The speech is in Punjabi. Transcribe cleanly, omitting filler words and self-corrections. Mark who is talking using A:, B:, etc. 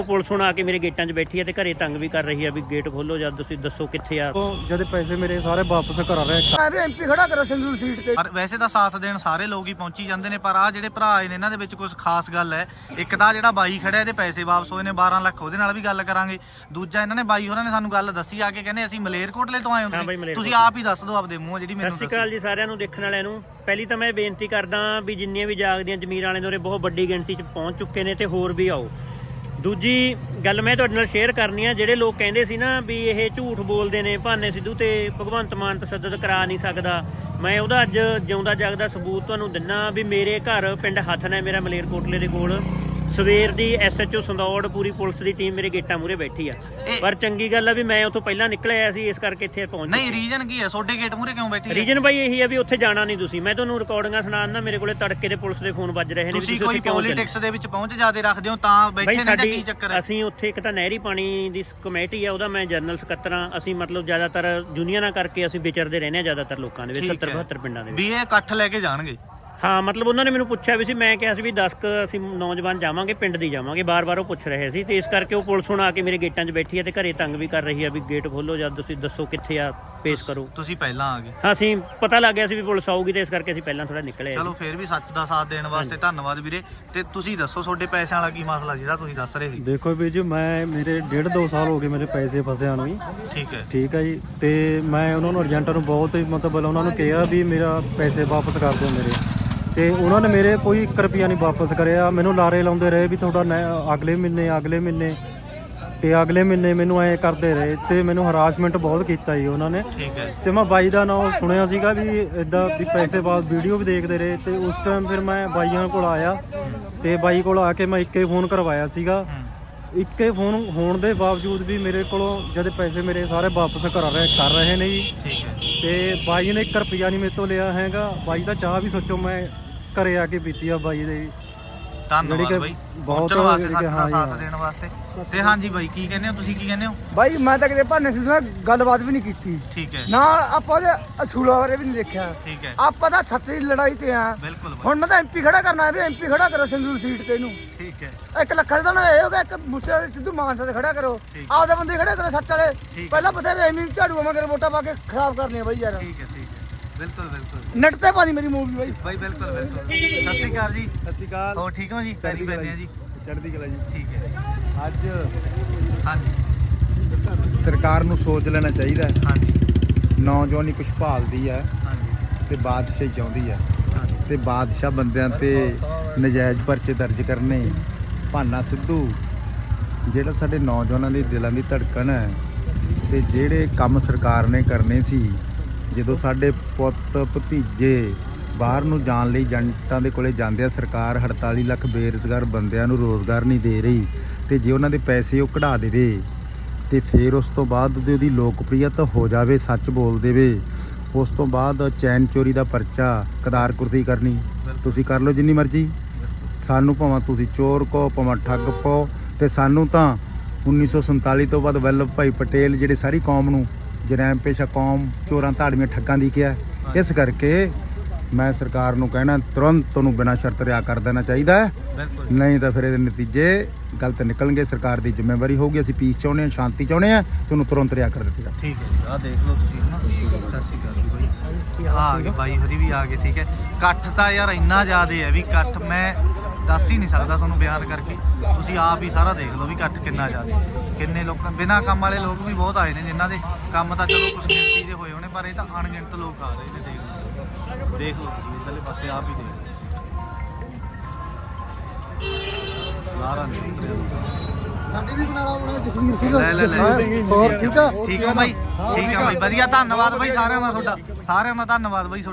A: ਪੁਲਿਸ ਹੁਣ ਆ ਕੇ ਮੇਰੇ ਗੇਟਾਂ 'ਚ ਬੈਠੀ ਹੈ ਤੇ ਘਰੇ ਤੰਗ ਵੀ ਕਰ ਰਹੀ ਹੈ ਵੀ ਗੇਟ ਖੋਲੋ ਜਾਂ ਤੁਸੀਂ ਦੱਸੋ ਕਿੱਥੇ ਆ।
B: ਜਦ ਪੈਸੇ ਮੇਰੇ ਸਾਰੇ ਵਾਪਸ ਕਰਾ ਰਹੇ
C: ਮੈਂ ਵੀ ਐਮਪੀ ਖੜਾ ਕਰੋ ਸੰਗਰੂਰ ਸੀਟ ਤੇ।
D: ਪਰ ਵੈਸੇ ਤਾਂ ਸਾਥ ਦੇਣ ਸਾਰੇ ਲੋਕ ਹੀ ਪਹੁੰਚੀ ਜਾਂਦੇ ਨੇ, ਪਰ ਆ ਜਿਹੜੇ ਭਰਾ ਆਏ ਨੇ ਇਹਨਾਂ ਦੇ ਵਿੱਚ ਕੁਝ ਖਾਸ ਗੱਲ ਹੈ। ਇੱਕ ਤਾਂ ਜਿਹੜਾ ਬਾਈ ਖੜਿਆ ਇਹਦੇ ਪੈਸੇ ਵਾਪਸ ਹੋਏ ਨੇ 12 ਲੱਖ, ਉਹਦੇ ਨਾਲ ਵੀ ਗੱਲ ਕਰਾਂਗੇ। ਦੂਜਾ ਇਹਨਾਂ ਨੇ ਬਾਈ ਹੋਰਾਂ ਨੇ ਸਾਨੂੰ ਗੱਲ ਦੱਸੀ ਆ ਕੇ, ਕਹਿੰਦੇ ਅਸੀਂ ਮਲੇਰਕੋਟਲੇ ਤੋਂ ਆਏ ਹਾਂ। ਤੁਸੀਂ ਆਪ ਹੀ ਦੱਸ ਦਿਓ ਆਪਦੇ ਮੂੰਹੋਂ ਜਿਹੜੀ ਮੈਨੂੰ
A: ਸਤਿ ਸ਼੍ਰੀ ਅਕਾਲ ਜੀ ਸਾਰਿਆਂ ਨੂੰ ਦੇਖਣ ਵਾਲਿਆਂ ਨੂੰ। ਪਹਿਲੀ ਤਾਂ ਮੈਂ ਬੇਨਤੀ ਕਰਦਾ ਵੀ ਜਿੰਨੀਆਂ ਵੀ ਜਾਗਦੀਆਂ ਜ਼ਮੀਰ ਵਾਲੇ ਨੇ ਉਰੇ ਬਹੁਤ ਵੱਡੀ ਗਿਣਤੀ 'ਚ ਪਹੁੰਚ ਚੁੱਕੇ ਨੇ ਤੇ ਹੋਰ ਵੀ ਆਓ। ਦੂਜੀ ਗੱਲ ਮੈਂ ਤੁਹਾਡੇ ਨਾਲ ਸ਼ੇਅਰ ਕਰਨੀ ਆ, ਜਿਹੜੇ ਲੋਕ ਕਹਿੰਦੇ ਸੀ ਨਾ ਵੀ ਇਹ ਝੂਠ ਬੋਲਦੇ ਨੇ ਭਾਨੇ ਸਿੱਧੂ ਤੇ ਭਗਵੰਤ ਮਾਨ ਤਸੱਦਦ ਕਰਾ ਨਹੀਂ ਸਕਦਾ, ਮੈਂ ਉਹਦਾ ਅੱਜ ਜਿਉਂਦਾ ਜਾਗਦਾ ਸਬੂਤ ਤੁਹਾਨੂੰ ਦਿੰਨਾ ਵੀ ਮੇਰੇ ਘਰ ਪਿੰਡ ਹੱਥਨ ਹੈ ਮੇਰਾ ਮਲੇਰਕੋਟਲੇ ਦੇ ਕੋਲ। ਸਵੇਰ ਦੀ SHO ਸੰਦੌੜ ਪੂਰੀ ਪੁਲਿਸ ਦੀ ਟੀਮ ਮੇਰੇ ਗੇਟਾਂ ਮੂਹਰੇ ਬੈਠੀ ਆ, ਪਰ ਚੰਗੀ ਗੱਲ ਆ ਵੀ ਮੈਂ ਉੱਥੋਂ ਪਹਿਲਾਂ ਨਿਕਲ ਆਇਆ ਸੀ, ਇਸ ਕਰਕੇ ਇੱਥੇ ਪਹੁੰਚ।
D: ਨਹੀਂ ਰੀਜਨ ਕੀ ਹੈ ਤੁਹਾਡੇ ਗੇਟ ਮੂਹਰੇ ਕਿਉਂ ਬੈਠੀ?
A: ਰੀਜਨ ਬਾਈ ਇਹੀ ਆ ਵੀ ਉੱਥੇ ਜਾਣਾ ਨਹੀਂ ਤੁਸੀਂ। ਮੈਂ ਤੁਹਾਨੂੰ ਰਿਕਾਰਡਿੰਗਾਂ ਸੁਣਾਉਣਾ, ਮੇਰੇ ਕੋਲੇ ਤੜਕੇ ਦੇ ਪੁਲਿਸ ਦੇ ਫੋਨ ਵੱਜ ਰਹੇ ਨੇ।
D: ਤੁਸੀਂ ਕੋਈ ਪੋਲਿਟਿਕਸ ਦੇ ਵਿੱਚ ਪਹੁੰਚ ਜਾਦੇ ਰੱਖਦੇ ਹੋ ਤਾਂ ਬੈਠੇ ਨੇ, ਜਾਂ ਕੀ ਚੱਕਰ ਹੈ?
A: ਅਸੀਂ ਉੱਥੇ ਇੱਕ ਤਾਂ ਨਹਿਰੀ ਪਾਣੀ ਦੀ ਕਮੇਟੀ ਆ, ਉਹਦਾ ਮੈਂ ਜਨਰਲ ਸਕੱਤਰ ਆ। ਅਸੀਂ ਮਤਲਬ ਜ਼ਿਆਦਾਤਰ ਯੂਨੀਅਨਾਂ ਕਰਕੇ ਅਸੀਂ ਵਿਚਰਦੇ ਰਹਿੰਦੇ ਆ ਜ਼ਿਆਦਾਤਰ ਲੋਕਾਂ ਦੇ ਵਿੱਚ, 70-72 ਪਿੰਡਾਂ ਦੇ ਵਿੱਚ।
D: ਵੀ ਇਹ ਇਕੱਠ ਲੈ ਕੇ ਜਾਣਗੇ?
A: ਹਾਂ, ਮਤਲਬ ਉਹਨਾਂ ਨੇ ਮੈਨੂੰ ਪੁੱਛਿਆ ਵੀ ਸੀ, ਮੈਂ ਕਿਹਾ ਸੀ ਵੀ 10 ਅਸੀਂ ਨੌਜਵਾਨ ਜਾਵਾਂਗੇ, ਪਿੰਡ ਦੀ ਜਾਵਾਂਗੇ। ਬਾਰ-ਬਾਰ ਉਹ ਪੁੱਛ ਰਹੇ ਸੀ ਤੇ ਇਸ ਕਰਕੇ ਉਹ ਪੁਲਿਸ ਹੁਣ ਆ ਕੇ ਮੇਰੇ ਗੇਟਾਂ 'ਚ ਬੈਠੀ ਹੈ ਤੇ ਘਰੇ ਤੰਗ ਵੀ ਕਰ ਰਹੀ ਹੈ ਵੀ ਗੇਟ ਖੋਲੋ ਜਾਂ ਤੁਸੀਂ ਦੱਸੋ ਕਿੱਥੇ ਆ, ਪੇਸ਼ ਕਰੋ।
D: ਤੁਸੀਂ ਪਹਿਲਾਂ ਆ ਗਏ?
A: ਹਾਂ, ਅਸੀਂ ਪਤਾ ਲੱਗ ਗਿਆ ਸੀ ਵੀ ਪੁਲਿਸ ਆਊਗੀ ਤੇ ਇਸ ਕਰਕੇ ਅਸੀਂ ਪਹਿਲਾਂ ਥੋੜਾ ਨਿਕਲੇ।
D: ਚਲੋ ਫਿਰ ਵੀ ਸੱਚ ਦਾ ਸਾਥ ਦੇਣ ਵਾਸਤੇ ਧੰਨਵਾਦ ਵੀਰੇ। ਤੇ ਤੁਸੀਂ ਦੱਸੋ ਤੁਹਾਡੇ ਪੈਸਿਆਂ ਵਾਲਾ ਕੀ ਮਸਲਾ ਜਿਹੜਾ ਤੁਸੀਂ ਦੱਸ ਰਹੇ ਸੀ?
B: ਦੇਖੋ ਵੀ ਜੀ, ਮੈਂ ਮੇਰੇ 1.5-2 ਸਾਲ ਹੋ ਗਏ ਮੇਰੇ ਪੈਸੇ ਫਸਿਆਂ ਨੂੰ। ਠੀਕ ਹੈ ਜੀ। ਤੇ ਮੈਂ ਉਹਨਾਂ ਨੂੰ ਏਜੰਟਾਂ ਨੂੰ ਬਹੁਤ ਮਤਲਬ ਉਹਨਾਂ ਨੂੰ ਕਿਹਾ ਵੀ ਮੇਰਾ ਪੈਸੇ ਵਾਪਸ ਕਰ ਦਿਓ ਮੇਰੇ, ਤੇ ਉਹਨਾਂ ਨੇ ਮੇਰੇ ਕੋਈ 1 ਰੁਪਿਆ ਨਹੀਂ ਵਾਪਸ ਕਰਿਆ। ਮੈਨੂੰ ਲਾਰੇ ਲਾਉਂਦੇ ਰਹੇ ਵੀ ਤੁਹਾਡਾ ਅਗਲੇ ਮਹੀਨੇ ਤੇ ਅਗਲੇ ਮਹੀਨੇ ਮੈਨੂੰ ਐਂ ਕਰਦੇ ਰਹੇ ਤੇ ਮੈਨੂੰ ਹਰਾਸਮੈਂਟ ਬਹੁਤ ਕੀਤਾ ਜੀ ਉਹਨਾਂ ਨੇ। ਤੇ ਮੈਂ ਬਾਈ ਦਾ ਨਾਮ ਸੁਣਿਆ ਸੀਗਾ ਵੀ ਇਦਾਂ ਵੀ ਪੈਸੇ ਬਾਅਦ ਵੀਡੀਓ ਵੀ ਦੇਖਦੇ ਰਹੇ, ਤੇ ਉਸ ਟਾਈਮ ਫਿਰ ਮੈਂ ਬਾਈਆਂ ਕੋਲ ਆਇਆ ਤੇ ਬਾਈ ਕੋਲ ਆ ਕੇ ਮੈਂ ਇੱਕੇ ਫੋਨ ਕਰਵਾਇਆ ਸੀਗਾ। ਇੱਕੇ ਫੋਨ ਹੋਣ ਦੇ ਬਾਵਜੂਦ ਵੀ ਮੇਰੇ ਕੋਲੋਂ ਜਦ ਪੈਸੇ ਮੇਰੇ ਸਾਰੇ ਵਾਪਸ ਕਰ ਰਹੇ ਨੇ ਜੀ। ਤੇ ਬਾਈ ਨੇ 1 ਰੁਪਿਆ ਨਹੀਂ ਮੇਰੇ ਤੋਂ ਲਿਆ ਹੈਗਾ। ਬਾਈ ਦਾ ਚਾਹ ਵੀ ਸੋਚੋ ਮੈਂ ਘਰੇ ਆ ਕੇ ਪੀਤੀ ਆ ਬਾਈ ਦੇ।
D: ਧੰਨਵਾਦ ਬਾਈ ਬਹੁਤ ਸਾਥ ਦੇਣ ਵਾਸਤੇ। ਤੇ ਹਾਂਜੀ ਬਾਈ ਕੀ ਕਹਿੰਦੇ ਹੋ ਤੁਸੀਂ? ਕੀ ਕਹਿੰਦੇ ਹੋ?
C: ਬਾਈ ਮੈਂ ਤਾਂ ਕਿਤੇ ਭਾਨੇ ਸਿੱਧੂ ਨਾਲ ਗੱਲਬਾਤ ਵੀ ਨਹੀਂ ਕੀਤੀ।
D: ਠੀਕ ਹੈ।
C: ਨਾ ਆਪਾਂ ਉਹਦੇ ਅਸੂਲਾਂ ਬਾਰੇ ਵੀ ਨਹੀਂ ਦੇਖਿਆ।
D: ਠੀਕ ਹੈ।
C: ਆਪਾਂ ਤਾਂ ਸੱਚੀ ਲੜਾਈ ਤੇ ਆ।
D: ਬਿਲਕੁਲ।
C: ਹੁਣ ਮੈਂ ਤਾਂ ਐਮਪੀ ਖੜਾ ਕਰਨਾ ਹੈ ਵੀ ਐਮਪੀ ਖੜਾ ਕਰੋ ਸੰਗਰੂਰ ਸੀਟ ਤੇ ਇਹਨੂੰ।
D: ਠੀਕ ਹੈ।
C: 1 ਲੱਖ ਦਾ ਨਾ ਇਹ ਹੋ ਗਿਆ, 1 ਮੁੱਛਾ ਸਿੱਧੂ ਮਾਨਸਾ ਤੇ ਖੜਾ ਕਰੋ, ਆਪਦੇ ਬੰਦੇ ਖੜੇ ਕਰੋ ਸੱਚ ਵਾਲੇ। ਪਹਿਲਾਂ ਬਥੇਰੇ ਐਵੇਂ ਝਾੜੂ ਮਗਰ ਵੋਟਾਂ ਪਾ ਕੇ ਖਰਾਬ ਕਰਨੇ ਆ ਬਾਈ ਯਾਰ।
D: ਠੀਕ ਹੈ। ਬਿਲਕੁਲ
C: ਨੈਟ ਤੇ ਪਾਣੀ ਮੇਰੀ ਮੂਵੀ ਬਾਈ।
D: ਬਿਲਕੁਲ। ਸਤਿ ਸ਼੍ਰੀ ਅਕਾਲ ਜੀ।
B: ਸਤਿ ਸ਼੍ਰੀ ਅਕਾਲ।
D: ਹੋਰ ਠੀਕ ਹੋ ਜੀ? ਪੈਰੀ ਪੈਨੇ ਆ ਜੀ।
B: ਚੜ੍ਹਦੀ ਕਲਾ ਜੀ।
D: ਠੀਕ ਹੈ।
B: ਅੱਜ
D: ਹਾਂਜੀ
B: ਸਰਕਾਰ ਨੂੰ ਸੋਚ ਲੈਣਾ ਚਾਹੀਦਾ ਹੈ।
D: ਹਾਂਜੀ।
B: ਨੌਜਵਾਨੀ ਕੁਛ ਭਾਲਦੀ ਹੈ
D: ਹਾਂਜੀ।
B: ਤੇ ਬਾਦਸ਼ਾਹੀ ਚਾਹੁੰਦੀ ਹੈ, ਤੇ ਬਾਦਸ਼ਾਹ ਬੰਦਿਆਂ ਤੇ ਨਜਾਇਜ਼ ਪਰਚੇ ਦਰਜ ਕਰਨੇ। ਭਾਨਾ ਸਿੱਧੂ ਜਿਹੜਾ ਸਾਡੇ ਨੌਜਵਾਨਾਂ ਦੇ ਦਿਲਾਂ ਦੀ ਧੜਕਣ ਹੈ, ਤੇ ਜਿਹੜੇ ਕੰਮ ਸਰਕਾਰ ਨੇ ਕਰਨੇ ਸੀ, ਜਦੋਂ ਸਾਡੇ ਪੁੱਤ ਭਤੀਜੇ ਬਾਹਰ ਨੂੰ ਜਾਣ ਲਈ ਏਜੰਟਾਂ ਦੇ ਕੋਲੇ ਜਾਂਦੇ ਆ, ਸਰਕਾਰ 48 ਲੱਖ ਬੇਰੁਜ਼ਗਾਰ ਬੰਦਿਆਂ ਨੂੰ ਰੋਜ਼ਗਾਰ ਨਹੀਂ ਦੇ ਰਹੀ, ਤੇ ਜੇ ਉਹਨਾਂ ਦੇ ਪੈਸੇ ਉਹ ਕਢਾ ਦੇਵੇ ਤੇ ਫਿਰ ਉਸ ਤੋਂ ਬਾਅਦ ਉਹਦੀ ਲੋਕਪ੍ਰਿਯਤਾ ਹੋ ਜਾਵੇ, ਸੱਚ ਬੋਲ ਦੇਵੇ, ਉਸ ਤੋਂ ਬਾਅਦ ਚੈਨ ਚੋਰੀ ਦਾ ਪਰਚਾ, ਕਦਾਰ ਕੁਰਸੀ ਕਰਨੀ, ਤੁਸੀਂ ਕਰ ਲਓ ਜਿੰਨੀ ਮਰਜ਼ੀ। ਸਾਨੂੰ ਭਾਵੇਂ ਤੁਸੀਂ ਚੋਰ ਕਹੋ ਭਾਵੇਂ ਠੱਗ ਪਾਓ, ਤੇ ਸਾਨੂੰ ਤਾਂ 1947 ਤੋਂ ਬਾਅਦ ਵੱਲਭ ਭਾਈ ਪਟੇਲ ਜਿਹੜੇ ਸਾਰੀ ਕੌਮ ਨੂੰ ਜਰੈਮ ਪੇਸ਼ਾ ਕੌਮ ਚੋਰਾਂ ਧਾੜਵੀਆਂ ਠੱਗਾਂ ਦੀ ਕਿਹਾ। ਇਸ ਕਰਕੇ ਮੈਂ ਸਰਕਾਰ ਨੂੰ ਕਹਿਣਾ ਤੁਰੰਤ ਉਹਨੂੰ ਬਿਨਾਂ ਸ਼ਰਤ ਰਿਹਾਅ ਕਰ ਦੇਣਾ ਚਾਹੀਦਾ ਹੈ, ਨਹੀਂ ਤਾਂ ਫਿਰ ਇਹਦੇ ਨਤੀਜੇ ਗਲਤ ਨਿਕਲਣਗੇ। ਸਰਕਾਰ ਦੀ ਜ਼ਿੰਮੇਵਾਰੀ ਹੋਊਗੀ। ਅਸੀਂ ਪੀਸ ਚਾਹੁੰਦੇ ਹਾਂ, ਸ਼ਾਂਤੀ ਚਾਹੁੰਦੇ ਹਾਂ, ਤੇ ਉਹਨੂੰ ਤੁਰੰਤ ਰਿਹਾਅ ਕਰ ਦਿੱਤਾ।
D: ਠੀਕ ਹੈ ਜੀ। ਆਹ ਦੇਖ ਲਓ ਤੁਸੀਂ ਨਾ। ਸਤਿ ਸ਼੍ਰੀ ਅਕਾਲ ਬਾਈ। ਆ ਗਏ ਬਾਈ ਹਰੀ ਵੀ ਆ ਗਏ। ਠੀਕ ਹੈ। ਇਕੱਠ ਤਾਂ ਯਾਰ ਇੰਨਾ ਜ਼ਿਆਦਾ ਹੈ ਵੀ ਇਕੱਠ ਮੈਂ ਦੱਸ ਹੀ ਨਹੀਂ ਸਕਦਾ ਤੁਹਾਨੂੰ ਬਿਆਨ ਕਰਕੇ। ਤੁਸੀਂ ਆਪ ਹੀ ਸਾਰਾ ਦੇਖ ਲਓ ਵੀ ਇਕੱਠ ਕਿੰਨਾ ਜ਼ਿਆਦਾ, ਕਿੰਨੇ ਲੋਕ ਬਿਨਾਂ ਕੰਮ ਵਾਲੇ ਲੋਕ ਵੀ ਬਹੁਤ ਆਏ ਨੇ, ਜਿਨ੍ਹਾਂ ਦੇ ਕੰਮ ਤਾਂ ਚਲੋ ਕੁਛ ਗਿਣਤੀ ਦੇ ਹੋਏ ਹੋਣੇ, ਪਰ ਇਹ ਤਾਂ ਅਣਗਿਣਤ ਲੋਕ ਆ ਰਹੇ ਨੇ। ਦੇਖ ਲਓ ਤੁਸੀਂ ਇਧਰਲੇ ਪਾਸੇ ਆਪ ਹੀ ਦੇਖ ਲਾਰਾ
C: ਸਾਡੀ ਵੀ ਬਣਾ ਲਓ ਜਸਵੀਰ ਸਿੰਘ।
D: ਹੋਰ ਠੀਕ ਆ? ਠੀਕ ਆ ਬਾਈ। ਠੀਕ ਆ ਬਾਈ, ਵਧੀਆ। ਧੰਨਵਾਦ ਬਾਈ ਸਾਰਿਆਂ ਦਾ ਤੁਹਾਡਾ, ਸਾਰਿਆਂ ਦਾ ਧੰਨਵਾਦ ਬਾਈ।